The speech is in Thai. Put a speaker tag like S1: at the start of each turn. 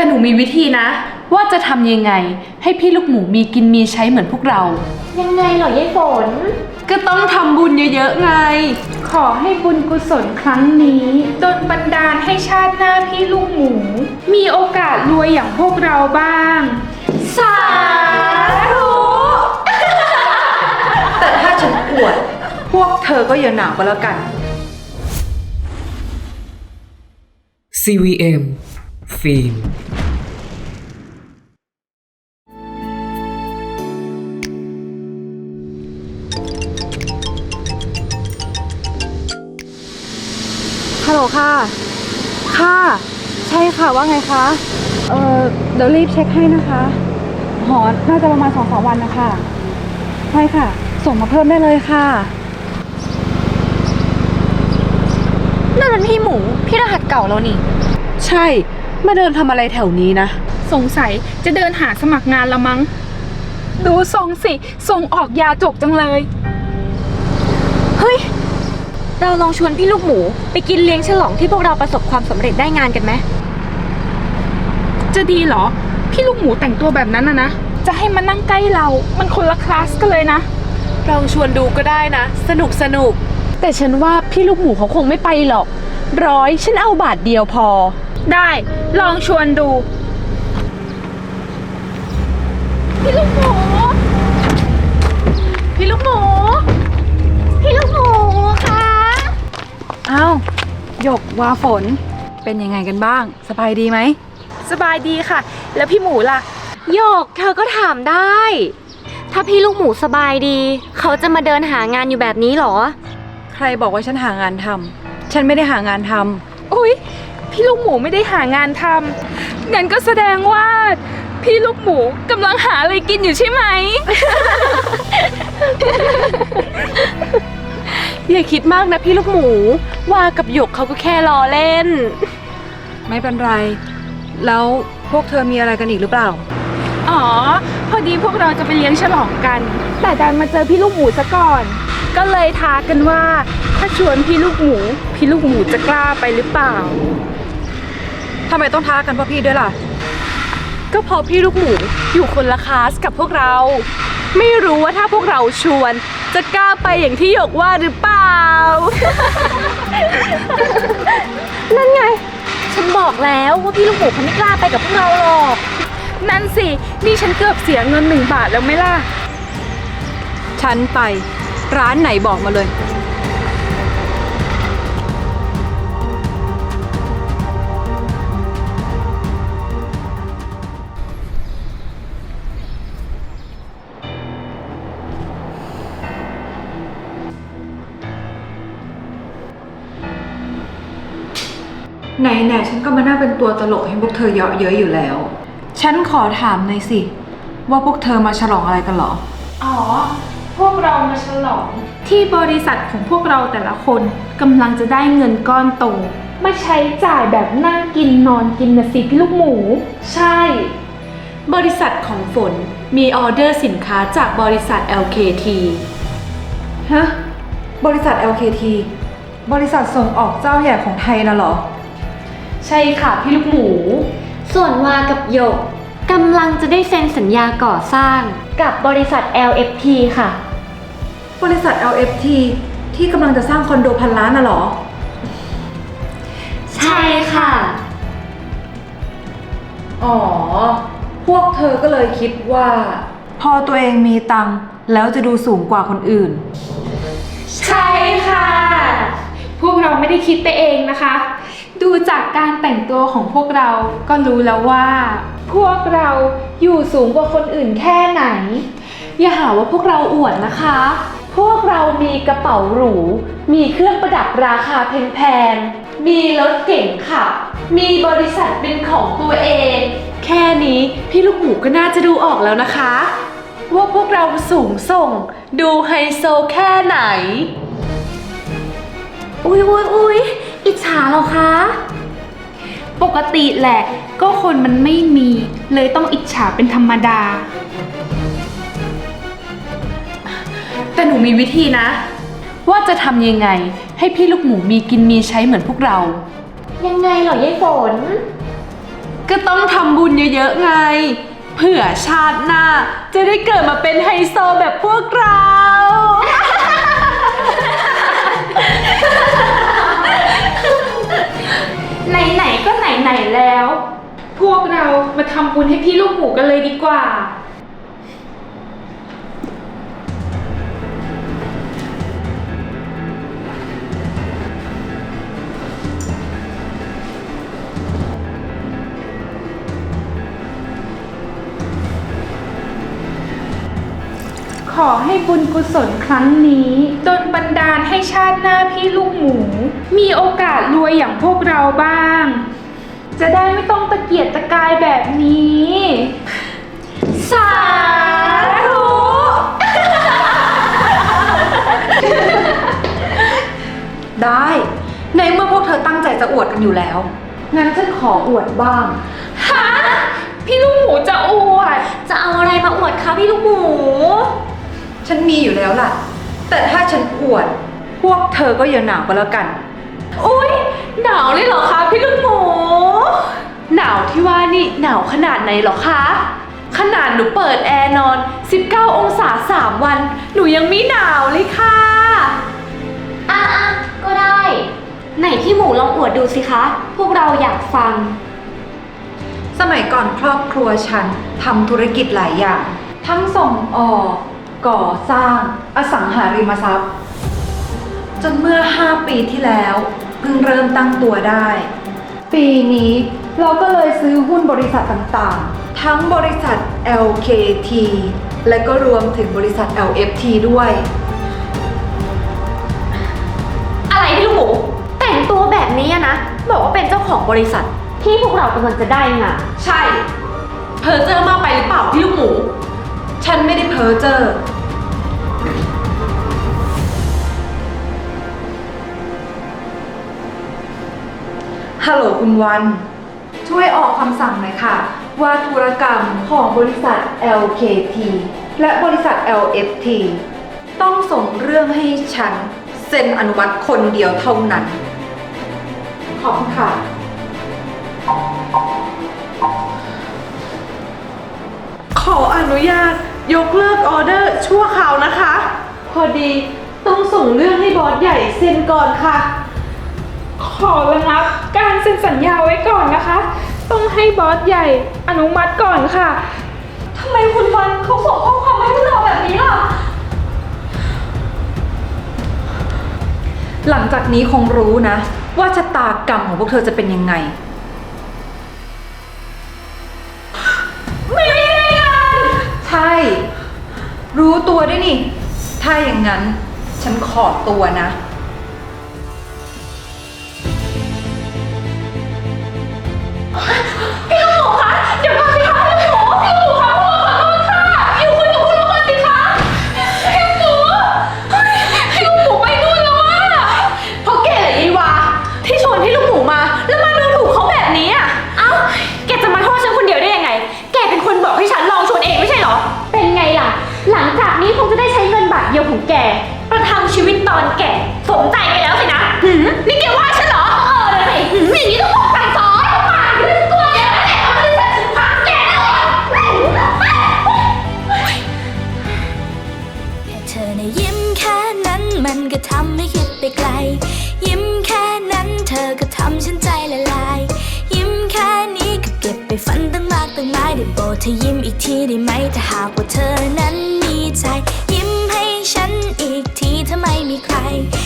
S1: แต่หนูมีวิธีนะว่าจะทำยังไงให้พี่ลูกหมูมีกินมีใช้เหมือนพวกเรา
S2: ยังไงเหรอยายฝน
S1: ก็ต้องทำบุญเยอะๆไง
S3: ขอให้บุญกุศลครั้งนี้ดลบันดาลให้ชาติหน้าพี่ลูกหมูมีโอกาสรวยอย่างพวกเราบ้าง
S2: สาธุ
S1: แต่ถ้าฉันอวดพวกเธอก็อย่าหนาวก็แล้วกัน
S4: CVM ฟิล์ม
S1: ฮัลโหลค่ะค่ะใช่ค่ะว่าไงคะเดี๋ยวรีบเช็คให้นะคะหอน่าจะประมาณ 2-3 วันนะคะใช่ค่ะส่งมาเพิ่มได้เลยค่ะ
S2: นั่นมันพี่หมูพี่รหัสเก่าแล้วนี่
S1: ใช่มาเดินทำอะไรแถวนี้นะ
S3: สงสัยจะเดินหาสมัครงานละมั้งดูทรงสิส่งออกยาจกจังเลย
S2: เฮ้ยเราลองชวนพี่ลูกหมูไปกินเลี้ยงฉลองที่พวกเราประสบความสำเร็จได้งานกันไหม
S3: จะดีเหรอพี่ลูกหมูแต่งตัวแบบนั้นนะจะให้มานั่งใกล้เรามันคนละคลาสกันเลยนะ
S1: ลองชวนดูก็ได้นะสนุกแต่ฉันว่าพี่ลูกหมูเขาคงไม่ไปหรอก100ฉันเอาบาทเดียวพอ
S3: ได้ลองชวนดูพี่ลูกหมูพี่ลูกหมู
S2: พี่ลูกหมูคะ
S1: อ้าวหยกวาฝนเป็นยังไงกันบ้างสบายดีไหม
S3: สบายดีค่ะแล้วพี่หมูล่ะ
S2: โยกเธอก็ถามได้ถ้าพี่ลูกหมูสบายดีเขาจะมาเดินหางานอยู่แบบนี้หรอ
S1: ใครบอกว่าฉันหางานทำฉันไม่ได้หางานทำ
S3: อุ๊ยพี่ลูกหมูไม่ได้หางานทำงั้นก็แสดงว่าพี่ลูกหมูกำลังหาอะไรกินอยู่ใช่ไหม
S1: อย่าคิดมากนะพี่ลูกหมูว่ากับหยกเขาก็แค่ล้อเล่นไม่เป็นไรแล้วพวกเธอมีอะไรกันอีกหรือเปล่า
S3: อ๋อพอดีพวกเราจะไปเลี้ยงฉลองกันแต่ดันมาเจอพี่ลูกหมูซะก่อนก็เลยท้ากันว่าถ้าชวนพี่ลูกหมูจะกล้าไปหรือเปล่า
S1: ทำไมต้องท้ากันเพราะพี่ด้วยล่ะก็เพราะพี่ลูกหมูอยู่คนละคลาสกับพวกเราไม่รู้ว่าถ้าพวกเราชวนจะกล้าไปอย่างที่หยกว่าหรือเปล่า
S2: นั่นไงฉันบอกแล้วว่าพี่ลูกหมูเขาไม่กล้าไปกับพวกเราหรอก
S3: นั่นสินี่ฉันเกือบเสียเงิน1 บาทแล้วไหมล่ะ
S1: ฉันไปร้านไหนบอกมาเลยไหนฉันก็มานั่งเป็นตัวตลกให้พวกเธอเยาะเย้ยอยู่แล้วฉันขอถามหน่อยสิว่าพวกเธอมาฉลองอะไรกันเหรอ
S3: อ๋อพวกเรามาฉลองที่บริษัทของพวกเราแต่ละคนกำลังจะได้เงินก้อนโตมาใช้จ่ายแบบนั่งกินนอนกินนะสิพี่ลูกหมู
S1: ใช่บริษัทของฝนมีออเดอร์สินค้าจากบริษัท LKT ฮะบริษัท LKT บริษัทส่งออกเจ้าใหญ่ของไทยนะเหรอใช่ค่ะพี่ลูกหมู
S2: ส่วนวากับหยกกำลังจะได้เซ็นสัญญาก่อสร้างกับบริษัท LFT ค่ะ
S1: บริษัท LFT ที่กำลังจะสร้างคอนโด1,000 ล้านน่ะเหรอ
S2: ใช่ค่ะ
S1: อ๋อพวกเธอก็เลยคิดว่าพอตัวเองมีตังค์แล้วจะดูสูงกว่าคนอื่น
S3: ใช่ค่ะพวกเราไม่ได้คิดไปเองนะคะดูจากการแต่งตัวของพวกเราก็รู้แล้วว่าพวกเราอยู่สูงกว่าคนอื่นแค่ไหน
S1: อย่าหาว่าพวกเราอวดนะคะพวกเรามีกระเป๋าหรูมีเครื่องประดับราคาแพงๆมีรถเก๋งขับมีบริษัทเป็นของตัวเองแค่นี้พี่ลูกหมูก็น่าจะดูออกแล้วนะคะว่าพวกเราสูงส่งดูไฮโซแค่ไหน
S2: อุ๊ยอิจฉาเหรอคะ
S3: ปกติแหละก็คนมันไม่มีเลยต้องอิจฉาเป็นธรรมดา
S1: แต่หนูมีวิธีนะว่าจะทำยังไงให้พี่ลูกหมูมีกินมีใช้เหมือนพวกเรา
S2: ยังไงเหรอยายฝน
S1: ก็ต้องทำบุญเยอะๆไง เผื่อชาติหน้าจะได้เกิดมาเป็นไฮโซแบบพวกเรา
S3: ไหนๆก็ไหนๆแล้ว พวกเรามาทำบุญให้พี่ลูกหมูกันเลยดีกว่า ขอให้บุญกุศลครั้งนี้ดลบันดาลให้ชาติหน้าพี่ลูกหมู มีโอกาสรวยอย่างพวกเราบ้าง จะได้ไม่ต้องตะเกียกตะกายแบบนี้ สาธุ
S4: ได้ในเมื่อพวกเธอตั้งใจจะอวดกันอยู่แล้ว งั้นฉันขออวดบ้าง
S3: ฮะพี่ลูกหมูจะอวด
S2: จะเอาอะไรมาอวดคะพี่ลูกหมู
S4: ฉันมีอยู่แล้วล่ะ แต่ถ้าฉันอวด พวกเธอก็อย่าหนาวก็แล้วกัน
S1: อุ๊ย หนาวเลยเหรอคะพี่ลูกหมู หนาวที่ว่านี่หนาวขนาดไหนเหรอคะ ขนาดหนูเปิดแอร์นอน 19 องศา3 วัน หนูยังไม่หนาวเลยค่ะ
S2: อ่ะก็ได้ ไหนพี่หมูลองอวดดูสิคะ พวกเราอยากฟัง
S4: สมัยก่อนครอบครัวฉันทำธุรกิจหลายอย่าง ทั้งส่งออก ก่อสร้าง อสังหาริมทรัพย์ จนเมื่อ 5 ปีที่แล้วเพิ่งเริ่มตั้งตัวได้ ปีนี้เราก็เลยซื้อหุ้นบริษัทต่างๆ ทั้งบริษัท LKT และก็รวมถึงบริษัท LFT ด้วย
S2: อะไรพี่ลูกหมู แต่งตัวแบบนี้อะนะ บอกว่าเป็นเจ้าของบริษัทที่พวกเรากำลังจะได้งาน
S1: ใช่ เพอเจอร์มากไปหรือเปล่าพี่ลูกหมู
S4: ฉันไม่ได้เพ้อเจ้อฮัลโหลคุณวัน ช่วยออกคำสั่งหน่อยค่ะ ว่าธุรกรรมของบริษัท LKT และบริษัท LFT ต้องส่งเรื่องให้ฉันเซ็นอนุมัติคนเดียวเท่านั้น ขอบคุณค่ะ
S1: ขออนุญาตยกเลิกออเดอร์ชั่วคราวนะคะ พอดีต้องส่งเรื่องให้บอสใหญ่เซ็นก่อนค่ะ
S3: ขอระงับการเซ็นสัญญาไว้ก่อนนะคะ ต้องให้บอสใหญ่อนุมัติก่อนค่ะ
S2: ทำไมคุณวันเขาส่งข้อความมาให้พวกเราแบบนี้ล่ะ
S4: หลังจากนี้คงรู้นะ ว่าชะตากรรมของพวกเธอจะเป็นยังไง
S2: ไม่ได้งาน
S4: ใช่ รู้ตัวด้วยนี่ ถ้าอย่างนั้น ฉันขอตัวนะ
S2: พี่ลูกหมูคะ เดี๋ยวก่อนสิคะพี่ลูกหมูพี่ลูกหมูคะพวกเราขอโทษค่ะ อยู่คุยกับคุณลูกก่อนสิคะพี่ลูกหมูเฮ้ยพี่ลูกหมูไปนู่นแล้วอะ
S1: เพราะแกเหรอยีวาที่ชวนพี่ลูกหมูมา แล้วมาดูถูกเขาแบบนี้อ่ะ
S2: เอ้า แกจะมาโทษฉันคนเดียวได้ยังไง แกเป็นคนบอกให้ฉันลองชวนเองไม่ใช่เหรอ เป็นไงล่ะ หลังจากนี้คงจะได้ใช้เงินบาทเดียวของแก ประทังชีวิตตอนแก่สมใจไปแล้วสินะนี่แกว่าฉันเหรอ เลยสิอย่างนี้ต้องบอกสั่งสอนปากไม่รู้ตัวแกแล้วแหละเอาบริษัทถึงพังแกแน่เลย
S5: แค่เธอในะยิ้มแค่นั้นมันก็ทำให้คิดไปไกล ยิ้มแค่นั้นเธอก็ทำฉันใจละลาย ยิ้มแค่นี้ก็เก็บไปฝันตั้งมากตั้งหลายได้โปรดเธอยิ้มอีกทีได้ไหมถ้าหากว่าเธอนั้นมีใจ ยิ้มให้ฉันอีกทีถ้าไม่มีใคร